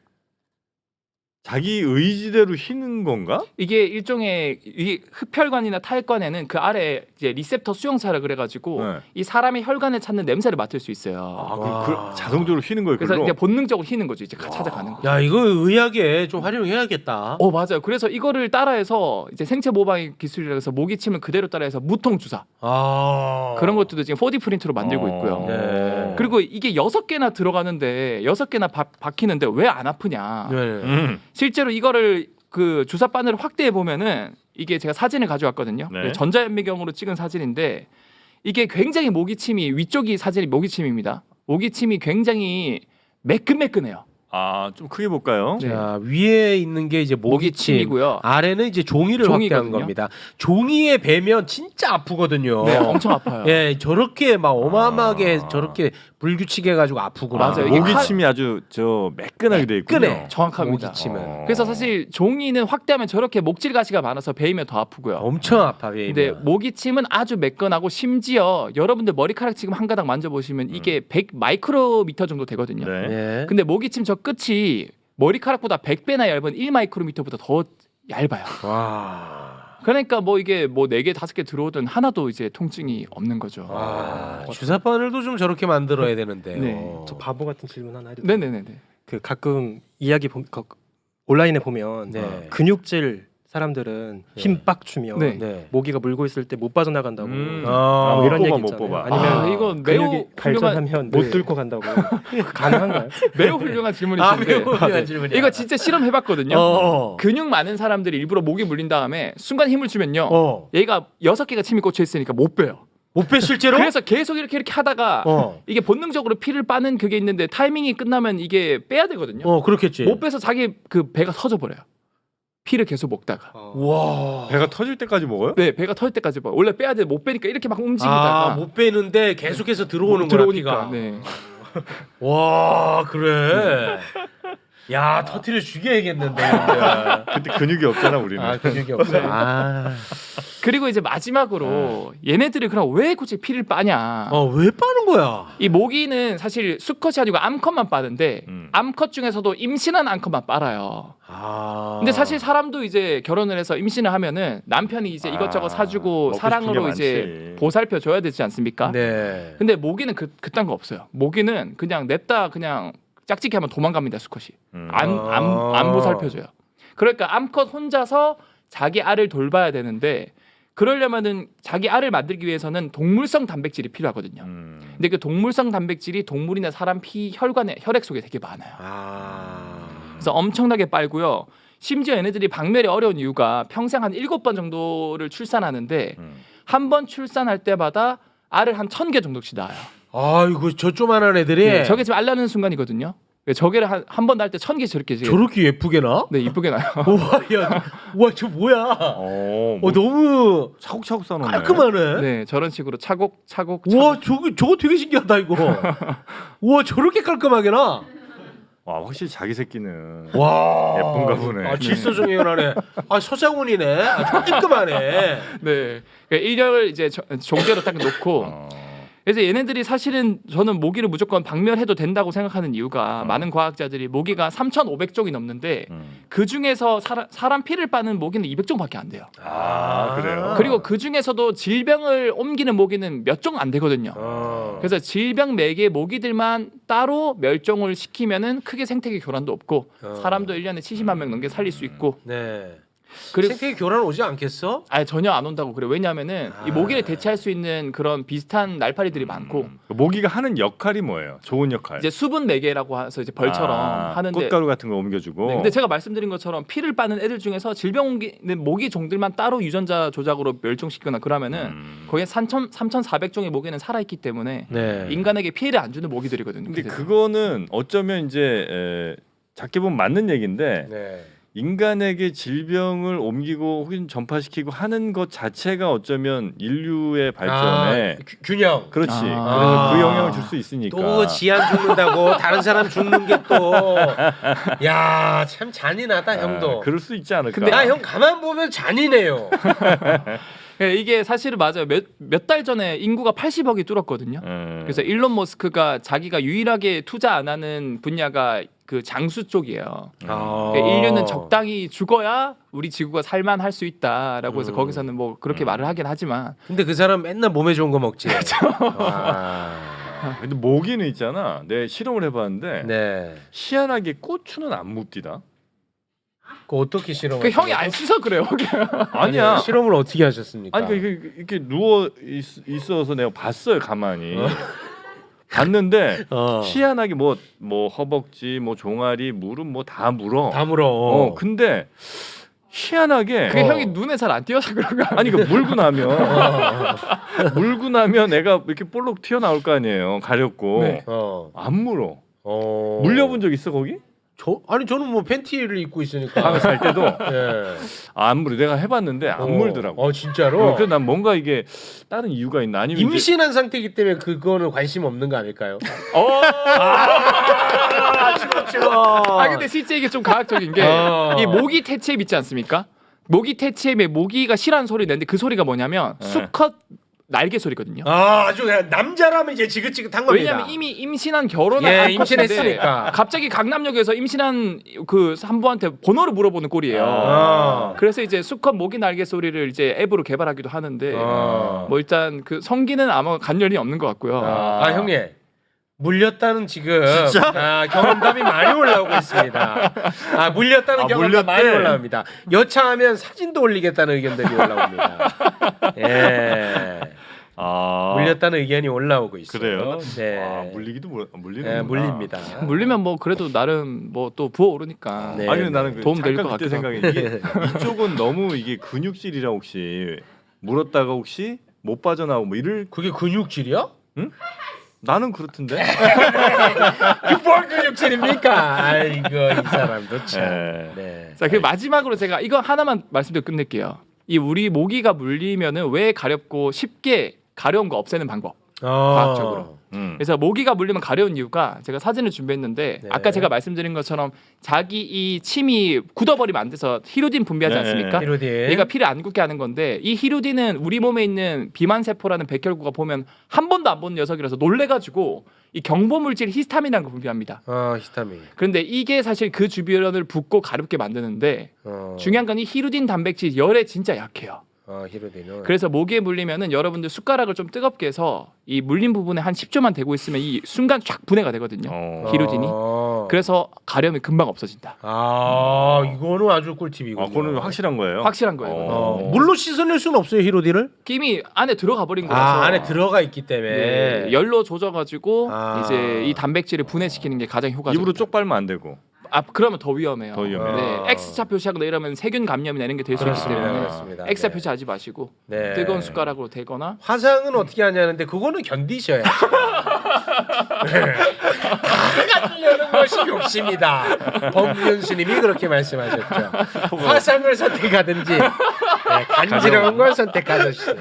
Speaker 1: 자기 의지대로 휘는 건가?
Speaker 4: 이게 일종의 이 흡혈관이나 타액관에는 그 아래 이제 리셉터 수용사라 그래가지고
Speaker 1: 네.
Speaker 4: 이 사람의 혈관을 찾는 냄새를 맡을 수 있어요.
Speaker 1: 아,
Speaker 3: 와.
Speaker 1: 그럼 그 자동적으로 휘는 거예요.
Speaker 4: 그래서
Speaker 1: 그걸로?
Speaker 4: 이제 본능적으로 휘는 거죠. 이제 가- 찾아가는 거죠.
Speaker 3: 야 이거 의학에 좀 활용해야겠다.
Speaker 4: 어 맞아요. 그래서 이거를 따라해서 이제 생체 모방 기술이라 해서 모기침을 그대로 따라해서 무통 주사
Speaker 3: 아
Speaker 4: 그런 것들도 지금 포디 프린트로 만들고 있고요.
Speaker 3: 네.
Speaker 4: 그리고 이게 여섯 개나 들어가는데 여섯 개나 바, 박히는데 왜 안 아프냐?
Speaker 3: 네.
Speaker 1: 음.
Speaker 4: 실제로 이거를 그 주사 바늘을 확대해 보면은 이게 제가 사진을 가져왔거든요.
Speaker 1: 네.
Speaker 4: 전자현미경으로 찍은 사진인데 이게 굉장히 모기침이 위쪽이 사진이 모기침입니다. 모기침이 굉장히 매끈매끈해요.
Speaker 1: 아, 좀 크게 볼까요?
Speaker 4: 네.
Speaker 3: 자, 위에 있는 게 이제 모기침,
Speaker 4: 모기침이고요.
Speaker 3: 아래는 이제 종이를
Speaker 4: 종이거든요.
Speaker 3: 확대한 겁니다. 종이에 베면 진짜 아프거든요.
Speaker 4: 네, 엄청 아파요.
Speaker 3: 예, 저렇게 막 어마어마하게
Speaker 1: 아.
Speaker 3: 저렇게 불규칙 해가지고 아프구나.
Speaker 4: 맞아요. 이게
Speaker 1: 모기침이 아주 저 매끈하게 돼 있군요.
Speaker 3: 매끈해.
Speaker 4: 정확합니다.
Speaker 3: 모기침은
Speaker 1: 어.
Speaker 4: 그래서 사실 종이는 확대하면 저렇게 목질 가시가 많아서 베이면 더 아프고요.
Speaker 3: 엄청 아파. 베이면.
Speaker 4: 근데 모기침은 아주 매끈하고 심지어 여러분들 머리카락 지금 한 가닥 만져보시면 이게 백 마이크로미터 정도 되거든요.
Speaker 1: 네.
Speaker 3: 네.
Speaker 4: 근데 모기침 저 끝이 머리카락보다 백 배나 얇은 일 마이크로미터보다 더 얇아요.
Speaker 3: 와.
Speaker 4: 그러니까 뭐 이게 뭐 네 개 다섯 개 들어오든 하나도 이제 통증이 없는 거죠.
Speaker 3: 와. 주사 바늘도 좀 저렇게 만들어야 되는데요.
Speaker 4: 네.
Speaker 5: 저 바보 같은 질문 하나 해도 돼요?
Speaker 4: 네네네네.
Speaker 5: 그 가끔 이야기 보, 거, 온라인에 보면
Speaker 3: 네.
Speaker 5: 근육질 사람들은
Speaker 3: 네.
Speaker 5: 힘 빡 주면
Speaker 4: 네.
Speaker 3: 네.
Speaker 5: 모기가 물고 있을 때 못 빠져나간다고
Speaker 1: 음.
Speaker 3: 아,
Speaker 5: 뭐 이런
Speaker 1: 못
Speaker 5: 얘기
Speaker 1: 뽑아, 못
Speaker 5: 있잖아요.
Speaker 1: 뽑아.
Speaker 5: 아니면
Speaker 4: 아, 이건 매우
Speaker 5: 근육이
Speaker 4: 훌륭한
Speaker 5: 발전하면 못
Speaker 3: 네.
Speaker 5: 뚫고 간다고 가능한가요?
Speaker 4: 매우 훌륭한
Speaker 3: 아,
Speaker 4: 질문이신데
Speaker 3: 매우 훌륭한 질문이야.
Speaker 4: 이거 진짜 실험해봤거든요.
Speaker 3: 어.
Speaker 4: 근육 많은 사람들이 일부러 목이 물린 다음에 순간 힘을 주면요.
Speaker 3: 어.
Speaker 4: 얘가 여섯 개가 침이 꽂혀 있으니까 못 빼요.
Speaker 3: 못 빼 실제로?
Speaker 4: 그래서 계속 이렇게 이렇게 하다가
Speaker 3: 어.
Speaker 4: 이게 본능적으로 피를 빠는 그게 있는데 타이밍이 끝나면 이게 빼야 되거든요.
Speaker 3: 어, 그렇겠지.
Speaker 4: 못 빼서 자기 그 배가 터져 버려요. 피를 계속 먹다가.
Speaker 3: 와.
Speaker 1: 배가 터질 때까지 먹어요?
Speaker 4: 네, 배가 터질 때까지 봐. 원래 빼야 돼. 못 빼니까 이렇게 막 움직이다가
Speaker 3: 아, 못 빼는데 계속해서 들어오는 거야,
Speaker 4: 들어오니까.
Speaker 3: 피가.
Speaker 4: 네.
Speaker 3: 와, 그래. 야, 터트려 죽여야겠는데. 근데.
Speaker 1: 그때 근육이 없잖아 우리는.
Speaker 3: 아, 근육이 없어. 아.
Speaker 4: 그리고 이제 마지막으로 얘네들이 그럼 왜 굳이 피를 빠냐?
Speaker 3: 어, 왜 빠는 거야?
Speaker 4: 이 모기는 사실 수컷이 아니고 암컷만 빠는데
Speaker 1: 음.
Speaker 4: 암컷 중에서도 임신한 암컷만 빨아요.
Speaker 3: 아.
Speaker 4: 근데 사실 사람도 이제 결혼을 해서 임신을 하면은 남편이 이제 이것저것
Speaker 1: 아,
Speaker 4: 사주고
Speaker 1: 먹고
Speaker 4: 사랑으로
Speaker 1: 싶은 게
Speaker 4: 이제
Speaker 1: 많지.
Speaker 4: 보살펴 줘야 되지 않습니까?
Speaker 3: 네.
Speaker 4: 근데 모기는 그 그딴 거 없어요. 모기는 그냥 냅다 그냥 짝짓기 하면 도망갑니다. 수컷이
Speaker 1: 음.
Speaker 4: 안 안 안
Speaker 3: 아.
Speaker 4: 보살펴줘요. 그러니까 암컷 혼자서 자기 알을 돌봐야 되는데 그러려면은 자기 알을 만들기 위해서는 동물성 단백질이 필요하거든요.
Speaker 1: 음.
Speaker 4: 근데 그 동물성 단백질이 동물이나 사람 피 혈관에 혈액 속에 되게 많아요.
Speaker 3: 아.
Speaker 4: 그래서 엄청나게 빨고요. 심지어 얘네들이 박멸이 어려운 이유가 평생 한 일곱 번 정도를 출산하는데
Speaker 1: 음.
Speaker 4: 한 번 출산할 때마다 알을 한 천 개 정도씩 낳아요.
Speaker 3: 아이고, 저 조만한 애들이
Speaker 4: 네, 저게 지금 알 낳는 순간이거든요. 저게를 한 한 번 낳을 때 천 개 저렇게 지금
Speaker 3: 저렇게 예쁘게 나?
Speaker 4: 네 이쁘게 나요.
Speaker 3: 우와, 야. 우와, 저 뭐야?
Speaker 1: 어, 뭐
Speaker 3: 어, 너무
Speaker 1: 차곡차곡 싸놓네.
Speaker 3: 깔끔하네.
Speaker 4: 네 저런 식으로 차곡차곡.
Speaker 3: 우와, 저거 저거 되게 신기하다 이거. 우와, 저렇게 깔끔하게 나?
Speaker 1: 와, 확실히 자기 새끼는
Speaker 3: 와.
Speaker 1: 예쁜가 보네.
Speaker 3: 아, 질서정연하네. 아, 서장훈이네. 아주 깔끔하네.
Speaker 4: 네, 그러니까 일렬을 이제 저- 종대로 딱 놓고.
Speaker 1: 어.
Speaker 4: 그래서 얘네들이 사실은 저는 모기를 무조건 박멸해도 된다고 생각하는 이유가
Speaker 1: 어.
Speaker 4: 많은 과학자들이 모기가 삼천오백 종이 넘는데
Speaker 1: 음.
Speaker 4: 그 중에서 사람, 사람 피를 빠는 모기는 이백 종밖에 안 돼요.
Speaker 1: 아, 그래요?
Speaker 4: 그리고 그 중에서도 질병을 옮기는 모기는 몇 종 안 되거든요.
Speaker 3: 어.
Speaker 4: 그래서 질병 매개 모기들만 따로 멸종을 시키면은 크게 생태계 교란도 없고
Speaker 3: 어.
Speaker 4: 사람도 일 년에 칠십만 명 넘게 살릴 수 있고
Speaker 3: 네.
Speaker 4: 그리고
Speaker 3: 생태계 교란 오지 않겠어?
Speaker 4: 아예 전혀 안 온다고 그래요. 왜냐하면은 이
Speaker 3: 아.
Speaker 4: 모기를 대체할 수 있는 그런 비슷한 날파리들이 많고
Speaker 1: 음. 모기가 하는 역할이 뭐예요? 좋은 역할.
Speaker 4: 이제 수분 매개라고 해서 이제 벌처럼
Speaker 1: 아,
Speaker 4: 하는데
Speaker 1: 꽃가루 같은 거 옮겨주고.
Speaker 4: 네, 근데 제가 말씀드린 것처럼 피를 빠는 애들 중에서 질병 옮기는 모기 종들만 따로 유전자 조작으로 멸종시키거나 그러면은
Speaker 1: 음.
Speaker 4: 거기에 삼천사백 종의 모기는 살아있기 때문에
Speaker 3: 네.
Speaker 4: 인간에게 피해를 안 주는 모기들이거든요.
Speaker 1: 근데
Speaker 4: 그래서.
Speaker 1: 그거는 어쩌면 이제 에, 작게 보면 맞는 얘기인데
Speaker 3: 네.
Speaker 1: 인간에게 질병을 옮기고 혹은 전파시키고 하는 것 자체가 어쩌면 인류의 발전에
Speaker 3: 아, 규- 균형.
Speaker 1: 그렇지.
Speaker 4: 아.
Speaker 1: 그래서 그 영향을 줄 수 있으니까.
Speaker 3: 또 지안 죽는다고 다른 사람 죽는 게 또 야, 참 잔인하다,
Speaker 1: 아,
Speaker 3: 형도.
Speaker 1: 그럴 수 있지 않을까.
Speaker 4: 근데
Speaker 3: 나 형 가만 보면 잔인해요.
Speaker 4: 네, 이게 사실은 맞아요. 몇 몇 달 전에 인구가 팔십억이 뚫었거든요.
Speaker 1: 음.
Speaker 4: 그래서 일론 머스크가 자기가 유일하게 투자 안 하는 분야가 그 장수 쪽이에요.
Speaker 3: 아.
Speaker 4: 그러니까 인류는 적당히 죽어야 우리 지구가 살만할 수 있다라고 해서
Speaker 3: 음.
Speaker 4: 거기서는 뭐 그렇게
Speaker 1: 음.
Speaker 4: 말을 하긴 하지만
Speaker 3: 근데 그 사람 맨날 몸에 좋은 거 먹지. 아.
Speaker 1: 근데 모기는 있잖아. 내 실험을 해봤는데
Speaker 3: 네.
Speaker 1: 희한하게 고추는 안 묻디다.
Speaker 3: 그 어떻게 실험?
Speaker 4: 그 형이 안 씻어 그래요.
Speaker 1: 아니야.
Speaker 3: 실험을 어떻게 하셨습니까?
Speaker 1: 아니 그 이렇게, 이렇게 누워 있, 있어서 내가 봤어요 가만히. 봤는데
Speaker 3: 어.
Speaker 1: 희한하게 뭐 뭐 허벅지, 뭐 종아리, 무릎 뭐 다 물어.
Speaker 3: 다 물어.
Speaker 1: 어 근데 희한하게
Speaker 4: 그게
Speaker 3: 어.
Speaker 4: 형이 눈에 잘 안 띄어서 그런 거
Speaker 1: 아니 그 물고 나면
Speaker 3: 어.
Speaker 1: 물고 나면 애가 이렇게 볼록 튀어나올 거 아니에요. 가렵고
Speaker 4: 네.
Speaker 3: 어.
Speaker 1: 안 물어.
Speaker 3: 어.
Speaker 1: 물려본 적 있어 거기?
Speaker 3: 저 아니 저는 뭐 팬티를 입고 있으니까.
Speaker 1: 밤에 잘 때도
Speaker 3: 예.
Speaker 1: 아, 안 물어. 내가 해봤는데 안
Speaker 3: 어.
Speaker 1: 물더라고.
Speaker 3: 어 진짜로.
Speaker 1: 그래서 난 뭔가 이게 다른 이유가 있나 아니면 이제-
Speaker 3: 임신한 상태이기 때문에 그거는 관심 없는 거 아닐까요?
Speaker 4: 어.
Speaker 3: 아, 그렇죠.
Speaker 4: 아 근데 실제 이게 좀 과학적인 게 이
Speaker 3: 어.
Speaker 4: 모기 퇴치앱 있지 않습니까? 모기 퇴치앱에 모기가 싫어하는 소리 내는데 그 소리가 뭐냐면
Speaker 1: 네.
Speaker 4: 수컷 날개 소리거든요.
Speaker 3: 아, 아주 그냥 남자라면 이제 지긋지긋한 겁니다.
Speaker 4: 왜냐면 이미 임신한 결혼한
Speaker 3: 예,
Speaker 4: 암컷인데
Speaker 3: 임신했으니까.
Speaker 4: 갑자기 강남역에서 임신한 그 산부한테 번호를 물어보는 꼴이에요.
Speaker 3: 아.
Speaker 4: 그래서 이제 수컷 모기 날개 소리를 이제 앱으로 개발하기도 하는데
Speaker 3: 아.
Speaker 4: 뭐 일단 그 성기는 아마 관련이 없는 것 같고요.
Speaker 3: 아, 아 형님. 물렸다는 지금 아, 경험담이 많이 올라오고 있습니다. 아 물렸다는
Speaker 1: 아,
Speaker 3: 경험담
Speaker 1: 물렸대.
Speaker 3: 많이 올라옵니다. 여차하면 사진도 올리겠다는 의견들이 올라옵니다. 예,
Speaker 1: 아
Speaker 3: 물렸다는 의견이 올라오고 있어요.
Speaker 1: 그래요?
Speaker 3: 네,
Speaker 1: 아, 물리기도 물, 물리는
Speaker 3: 예, 물립니다.
Speaker 4: 물리면 뭐 그래도 나름 뭐 또 부어오르니까
Speaker 3: 네.
Speaker 1: 아니 근데 나는 그
Speaker 4: 도움 될
Speaker 1: 잠깐
Speaker 4: 것
Speaker 1: 그때
Speaker 4: 같기도
Speaker 1: 생각이 이게 이쪽은 너무 이게 근육질이라 혹시 물었다가 혹시 못 빠져나오고 뭐 이럴
Speaker 3: 그게 근육질이야?
Speaker 1: 나는 그렇던데.
Speaker 3: 뭘 근육질입니까? 아이고 이 사람도 참.
Speaker 1: 예.
Speaker 3: 네.
Speaker 4: 자, 그 마지막으로 제가 이거 하나만 말씀드리고 끝낼게요. 이 우리 모기가 물리면은 왜 가렵고 쉽게 가려운 거 없애는 방법. 과학적으로.
Speaker 1: 음.
Speaker 4: 그래서 모기가 물리면 가려운 이유가 제가 사진을 준비했는데
Speaker 3: 네.
Speaker 4: 아까 제가 말씀드린 것처럼 자기 이 침이 굳어버리면 안 돼서 히루딘 분비하지
Speaker 1: 네.
Speaker 4: 않습니까?
Speaker 3: 히로딘.
Speaker 4: 얘가 피를 안 굳게 하는 건데 이 히루딘은 우리 몸에 있는 비만 세포라는 백혈구가 보면 한 번도 안 본 녀석이라서 놀래가지고 이 경보 물질 히스타민이라는 걸 분비합니다.
Speaker 3: 어 히스타민.
Speaker 4: 그런데 이게 사실 그 주변을 붓고 가렵게 만드는데
Speaker 3: 어.
Speaker 4: 중요한 건 이 히루딘 단백질 열에 진짜 약해요.
Speaker 3: 어 히로딘은.
Speaker 4: 그래서 모기에 물리면은 여러분들 숟가락을 좀 뜨겁게 해서 이 물린 부분에 한 십 초만 대고 있으면 이 순간 쫙 분해가 되거든요.
Speaker 1: 어.
Speaker 4: 히루딘이.
Speaker 3: 어.
Speaker 4: 그래서 가려움이 금방 없어진다.
Speaker 3: 아 이거는 아주 꿀팁이군요.
Speaker 1: 아, 그거는 확실한 거예요.
Speaker 4: 확실한 거예요. 이거는.
Speaker 3: 어, 물로 씻어낼 수는 없어요 히로딘을?
Speaker 4: 김이 안에 들어가 버린 거라서
Speaker 3: 아 안에 들어가 있기 때문에.
Speaker 4: 네, 열로 조져가지고
Speaker 3: 아.
Speaker 4: 이제 이 단백질을 분해시키는 게 가장 효과적이다.
Speaker 1: 입으로 쪽 빨면 안 되고.
Speaker 4: 아 그러면 더 위험해요.
Speaker 1: 더 위험해요.
Speaker 4: 네,
Speaker 3: 아.
Speaker 4: X자 표시하거나 이러면 세균 감염이나 이런 게 될 수 있기
Speaker 3: 그렇습니다,
Speaker 4: 때문에
Speaker 3: 그렇습니다.
Speaker 4: X자
Speaker 3: 네.
Speaker 4: 표시하지 마시고
Speaker 3: 네.
Speaker 4: 뜨거운 숟가락으로 대거나
Speaker 3: 화상은 어떻게 하냐는데 그거는 견디셔야죠. 다 가지려는 것이 욕심이다. 법무연 스님이 그렇게 말씀하셨죠. 화상을 선택하든지 네, 간지러운 걸 선택하든지.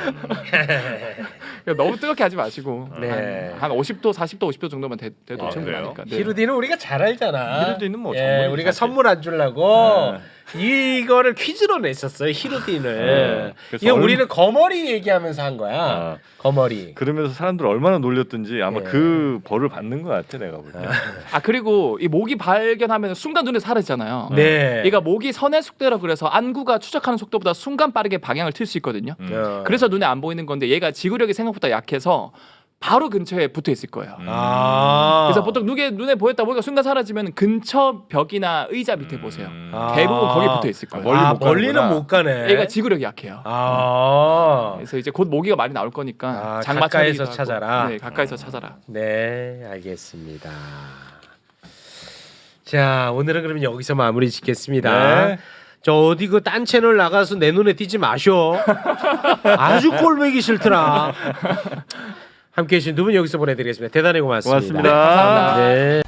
Speaker 4: 너무 뜨겁게 하지 마시고
Speaker 3: 네.
Speaker 4: 한, 한 오십 도, 사십 도, 오십 도 정도만 돼, 돼도
Speaker 1: 아,
Speaker 4: 충분하니까. 네.
Speaker 3: 히루딘은 우리가 잘 알잖아.
Speaker 1: 히루딘은 뭐
Speaker 3: 예,
Speaker 1: 전문이지,
Speaker 3: 우리가
Speaker 1: 사실.
Speaker 3: 선물 안 주려고 이거를 퀴즈로 냈었어요. 히루딘을.
Speaker 1: 네. 그래서
Speaker 3: 이거
Speaker 1: 얼마-
Speaker 3: 우리는 거머리 얘기하면서 한 거야.
Speaker 1: 아.
Speaker 3: 거머리.
Speaker 1: 그러면서 사람들 얼마나 놀렸든지 아마
Speaker 3: 예.
Speaker 1: 그 벌을 받는 것 같아 내가 볼 때.
Speaker 4: 아 그리고 이 모기 발견하면 순간 눈에 사라지잖아요.
Speaker 3: 네.
Speaker 4: 얘가 모기 선의 속도라 그래서 안구가 추적하는 속도보다 순간 빠르게 방향을 틀 수 있거든요.
Speaker 1: 음.
Speaker 3: 어.
Speaker 4: 그래서 눈에 안 보이는 건데 얘가 지구력이 생각보다 약해서 바로 근처에 붙어 있을 거예요.
Speaker 1: 음.
Speaker 3: 아.
Speaker 4: 그래서 보통 눈에 눈에 보였다 보니까 순간 사라지면 근처 벽이나 의자 밑에 보세요.
Speaker 1: 음.
Speaker 3: 아.
Speaker 4: 대부분 거기 붙어 있을 거예요.
Speaker 1: 멀리
Speaker 3: 아,
Speaker 1: 못
Speaker 3: 멀리는
Speaker 1: 가는구나.
Speaker 3: 못 가네.
Speaker 4: 얘가 지구력이 약해요.
Speaker 3: 아.
Speaker 4: 그래서 이제 곧 모기가 많이 나올 거니까
Speaker 3: 아,
Speaker 4: 장마
Speaker 3: 가까이서
Speaker 4: 차리기도 하고.
Speaker 3: 찾아라.
Speaker 4: 네, 가까이서 찾아라.
Speaker 3: 네, 알겠습니다. 자, 오늘은 그러면 여기서 마무리 짓겠습니다.
Speaker 1: 네.
Speaker 3: 저 어디 그 딴 채널 나가서 내 눈에 띄지 마쇼. 아주 꼴보기 싫더라. 함께해 주신 두 분 여기서 보내드리겠습니다. 대단히 고맙습니다.
Speaker 1: 고맙습니다.
Speaker 3: 네.